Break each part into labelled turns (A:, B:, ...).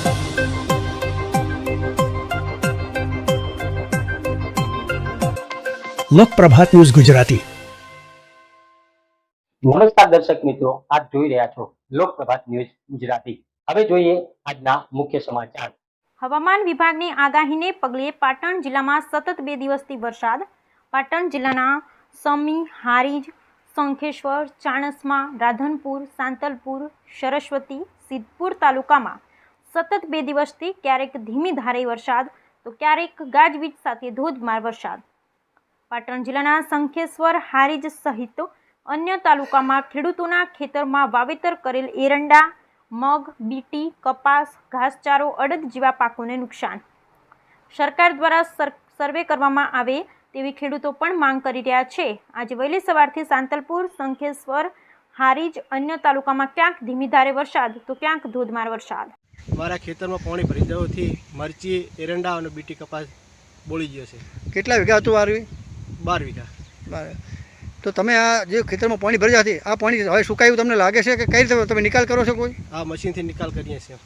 A: લોકપ્રભાત news Gujarati.
B: નમસ્કાર દર્શક મિત્રો, આપ જોઈ રહ્યા છો લોકપ્રભાત ન્યૂઝ ગુજરાતી। હવે જોઈએ આજના મુખ્ય સમાચાર।
C: હવામાન વિભાગની આગાહીને પગલે પાટણ જિલ્લામાં સતત 2 દિવસથી વરસાદ। પાટણ જિલ્લાના સમી, હારીજ, શંખેશ્વર, ચાણસ્મા, રાધનપુર, સાંતલપુર, સરસ્વતી, સિદ્ધપુર તાલુકામાં સતત 2 દિવસથી ક્યારેક ધીમી ધારે વરસાદ તો ક્યારેક ગાજવીજ સાથે ધોધમાર વરસાદ। પાટણ જિલ્લાના શંખેશ્વર, હારીજ સહિત અન્ય તાલુકામાં ખેડૂતોના ખેતરમાં વાવેતર કરેલ એરંડા, મગ, બીટી, કપાસ, ઘાસચારો, અડદ જેવા પાકોને નુકસાન। સરકાર દ્વારા સર્વે કરવામાં આવે તેવી ખેડૂતો પણ માંગ કરી રહ્યા છે। આજે વહેલી સવારથી સાંતલપુર, શંખેશ્વર, હારીજ અન્ય તાલુકામાં ક્યાંક ધીમી ધારે વરસાદ તો ક્યાંક ધોધમાર વરસાદ।
D: મારા ખેતરમાં પાણી ભરી જવાથી મરચી, એરંડા અને બીટી કપાસ બોળી ગયો છે।
E: કેટલા વીઘા હતું વારવી?
D: 12 વીઘા।
E: તો તમે આ જે ખેતરમાં પાણી ભરી જતી આ પાણી હવે સુકાયું તમને લાગે છે કે કઈ રીતે તમે નિકાલ કરો છો? કોઈ
D: આ મશીનથી નિકાલ કરીએ છીએ,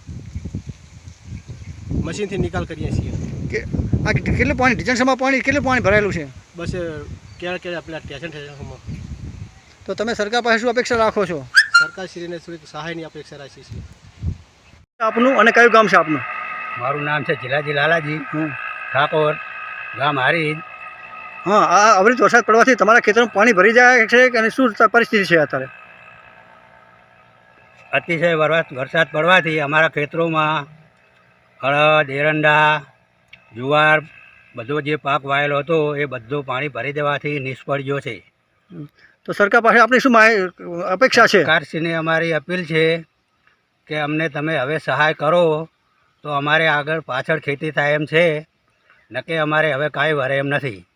D: મશીનથી નિકાલ કરીએ છીએ।
E: કે આ કેટલું પાણી ડિજન્સમાં કેટલું પાણી ભરાયેલું છે?
D: બસ ક્યારે આપણા ટેશનમાં।
E: તો તમે સરકાર પાસે શું અપેક્ષા રાખો છો?
D: સરકારશ્રીને થોડીક સહાયની અપેક્ષા રાખીએ છીએ।
E: આપનું અને કયું ગામ છે આપનું?
F: મારું નામ છે જીલાજી લાલાજી ઠાકોર, ગામ હારીજ।
E: હા, આ અવિરત વરસાદ પડવાથી તમારા ખેતરમાં પાણી ભરી જાય છે કે શું પરિસ્થિતિ છે અત્યારે?
F: અતિશય વરસાદ પડવાથી અમારા ખેતરોમાં અડદ, એરંડા, જુવાર બધો જે પાક વાયેલો હતો એ બધો પાણી ભરી દેવાથી નિષ્ફળ ગયો છે।
E: તો સરકાર પાસે આપણી શું અપેક્ષા છે?
F: સરકારશ્રીને અમારી અપીલ છે કે અમને તમે હવે સહાય કરો તો અમારે આગળ પાછળ ખેતી થાય એમ છે, નકે અમારે હવે કાંઈ વરે એમ નથી।